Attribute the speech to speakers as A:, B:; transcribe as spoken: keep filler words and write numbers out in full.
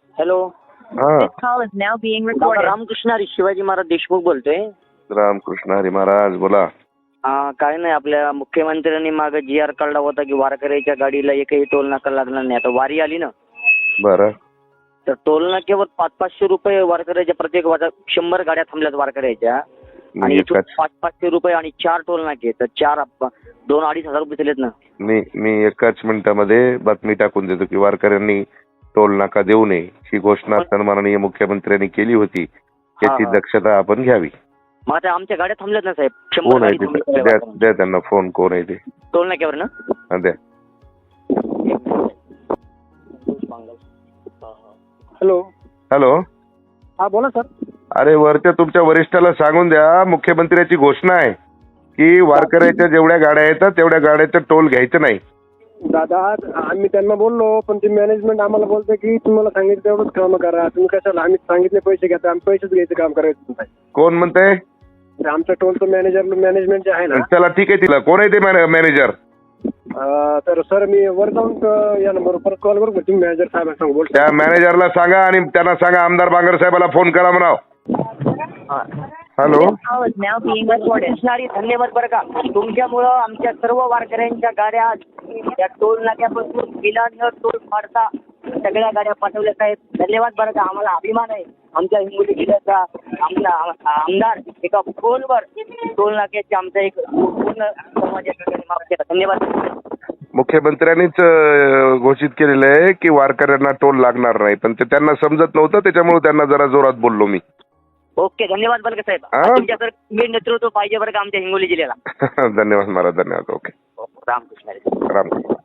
A: Hello.
B: हा
C: This call is now being recorded.
A: Ramakrishna Hari Shivaji Maharaj Deshmukh बोलतोय.
B: रामकृष्ण हरी महाराज बोला.
A: हा काय नाही, आपल्या मुख्यमंत्र्यांनी मागे जी आर काढला होता की वारकऱ्याच्या गाडीला एकही टोल नाका लागणार नाही. आता वारी आली ना,
B: बरं
A: तर टोल नाक्यावर पाच पाचशे रुपये वारकऱ्याच्या प्रत्येक वाजा शंभर गाड्या थांबल्यात वारकऱ्याच्या आणि
B: मी
A: इथून
B: एकाच
A: पाच पाचशे रुपये आणि चार टोल नाके, तर चार आप- दोन अडीच हजार रुपये दिलेत ना.
B: मी मी एकाच मिनिटामध्ये बातमी टाकून देतो की वारकऱ्यांनी टोल नाका देऊ नये ही घोषणा सन्माननीय मुख्यमंत्र्यांनी केली होती. याची
A: हा.
B: दक्षता आपण घ्यावी.
A: मग आता आमच्या गाड्या थांबल्यात ना साहेब, शंभर
B: कोण आहे
A: गाडी
B: ते?
A: थांबल्यात
B: द्या
A: वारकऱ्यांच्या.
B: द्या त्यांना फोन. कोण आहे ते?
A: टोल नाक्यावर ना.
B: हा, द्या.
D: हॅलो.
B: हॅलो.
D: हा बोला सर.
B: अरे वरच्या तुमच्या वरिष्ठाला सांगून द्या, मुख्यमंत्र्याची घोषणा आहे की वारकऱ्याच्या जेवढ्या गाड्या येतात तेवढ्या गाड्याचं टोल घ्यायचं नाही.
D: दादा आम्ही त्यांना बोललो, पण ते मॅनेजमेंट आम्हाला बोलते की तुम्हाला सांगितलं तेवढंच काम करा, तुम्ही कशाला आम्ही सांगितले पैसे घ्या, आम्ही पैसेच घ्यायचं काम करायचं नाही.
B: कोण म्हणतंय?
D: आमचं टोलचं मॅनेजर मॅनेजमेंट जे आहे ना,
B: चला ठीक आहे. तिला कोण आहे ते मॅनेजर?
D: अं, तर सर मी वर जाऊन अं, या नंबरवर परत कॉल करू का? तुम्ही मॅनेजर साहेबांना सांगू बोलतो.
B: त्या मॅनेजरला सांगा आणि त्यांना सांगा आमदार बांगर साहेबाला फोन करा म्हणाव. Hello.
C: This call is now being recorded.
A: कृष्णारी धन्यवाद बरं का. तुमच्यामुळं आमच्या सर्व वारकऱ्यांच्या गाड्या त्या टोल नाक्यापासून बिलानं टोल फाडता सगळ्या गाड्या पाठवल्या साहेब. धन्यवाद बरं का. आम्हाला अभिमान आहे आमच्या हिंगोली जिल्ह्याचा. आमचा आमदार एका फोनवर टोल नाक्याचे आमचा एक पूर्ण समाजाच्या माफ केला. धन्यवाद.
B: मुख्यमंत्र्यांनीच अं, घोषित केलेलं आहे की वारकऱ्यांना टोल लागणार नाही, पण ते त्यांना समजत नव्हतं, त्याच्यामुळे त्यांना जरा जोरात बोललो मी.
A: ओके धन्यवाद बरं का साहेब.
B: हा?
A: तुमच्याकडे मी नेतृत्व पाहिजे बरं का आमच्या हिंगोली जिल्ह्याला.
B: धन्यवाद महाराज. धन्यवाद. ओके.
A: रामकृष्ण हरी.
B: रामकृष्ण.